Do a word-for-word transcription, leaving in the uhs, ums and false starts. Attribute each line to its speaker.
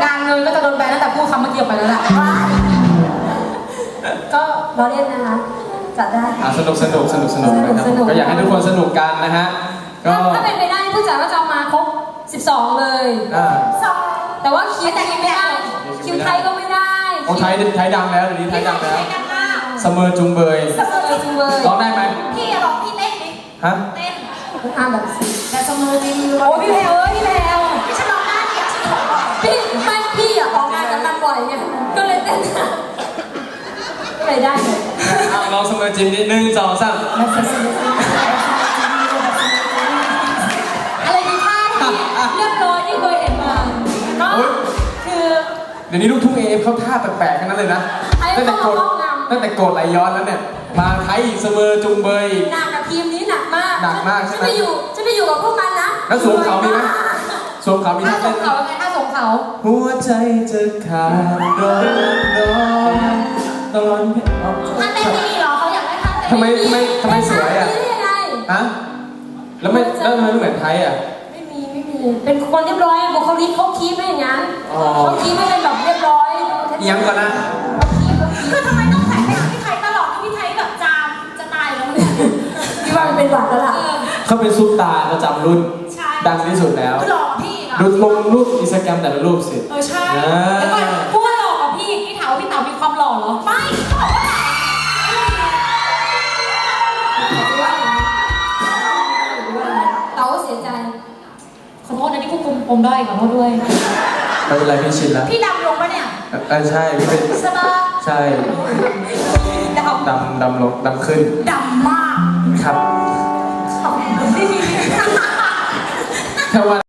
Speaker 1: งานเงินก็จะโดนแบนตั้งแต่พูดคำเมื่อกี้ไปแล้วแหละก็เราเล่นนะคะจัดได้
Speaker 2: สนุกสนุกสนุกสนุกนะครับก็อยากให้ทุกคนสนุกกันนะฮะก็
Speaker 1: ถ้าเป็นไปได้ผู้จัดก็จะมาครบสิบสองเลยแต่ว่าคิวแต่คิวไม่ได้คิวไทยก็ไม่ได้
Speaker 2: โอ้ไทยไทยดังแล้วเดี๋ยวนี้ไทยดังแล้วเสมอจุงเบย
Speaker 1: เสมอจุงเบย
Speaker 2: ร้องได้ไหม
Speaker 3: พี่ร้องพี่เต้นดิ
Speaker 2: ฮะ
Speaker 3: เต้น
Speaker 1: อ่านแบบ
Speaker 3: แต่เสมอจริง
Speaker 1: โอ้พี่แพลวพี่แพลว
Speaker 3: พี่ฉันร้องได้เนี่ยฉันขอ
Speaker 1: พี่ไม่พี่อ่ะออกงานกันมันบ่อยไงก็เลยเต้นก็เลยได้เลย
Speaker 2: ลองเสมอจิมนิดนึงสองสาม
Speaker 1: อะไรดีท่าที่เรียบร้อยที่เคยเห็นมาก็คือ
Speaker 2: เดี๋ยวนี้ลูกทุ่งเอฟเขาท่าแปลกๆกันนั้นเลยนะตั้งแต่โกดตั้งแต่โกดไหลย้อนแล้วเนี่ยมาไทยเสมอจุงเบย
Speaker 1: หนักกับทีมนี้หนักมาก
Speaker 2: หนักมากใช่ไหม
Speaker 1: จะไปอยู่จะไปอยู่กับพวกมันนะ
Speaker 2: แล้วสวมเขามีไหมสวมเขามีท่า
Speaker 1: สวมเขาไงท่าสวมเขา
Speaker 2: หัวใจจะขาดร้อนร้อนตอน
Speaker 3: ท่าเต้นไม่มีหรอเขาอยากได้ท่าเต้น
Speaker 2: ทำไมทำไมทำไมสวยอ่ะฮะแล้วไม่แล้วทำไมไม่เหมือนไทยอ่ะ
Speaker 1: ไม่มีไม่มีเป็นคนเรียบร้อยบุคลิกเขาคีบไม่อย่างนั้นเขาคีบไม่เป็นแบบเรียบร้อย
Speaker 2: ยังก่อนนะ
Speaker 3: คือทำไมต้องใส่ไปหาพี่ไทยตลอดพี่ไทยแบบจามจะตายแล้วเนี่ย
Speaker 1: พี่ว่ามันเป็นหวัดแล้วล่ะ
Speaker 2: เขาเป็นซุปตาประจำรุ่นดังที่สุดแล้ว
Speaker 3: หล่อพี่
Speaker 2: ดูลงรูปอินสตาแกรมแต่ละรูปสิ
Speaker 3: เออใช่แล้วก็พูดว่าหล่อกับพี่พี่ถามว่าพี่เต๋ามีความหล่อเหรอไม่เขาบอกว่า
Speaker 1: เต๋าเสียใจ
Speaker 3: ขอโทษนะที่ควบคุมปมได้ขอโทษด้วย
Speaker 2: ไม่เป็นไรพี่ชินแล้ว
Speaker 3: พี่ดำลงปะเนี่ย
Speaker 2: เออใช่พี่เป็น
Speaker 3: ใช่ปะ
Speaker 2: ใช่
Speaker 3: ดำ
Speaker 2: ดำดำลงดำขึ้น
Speaker 3: ดำมาก
Speaker 2: ครับแค่ว่า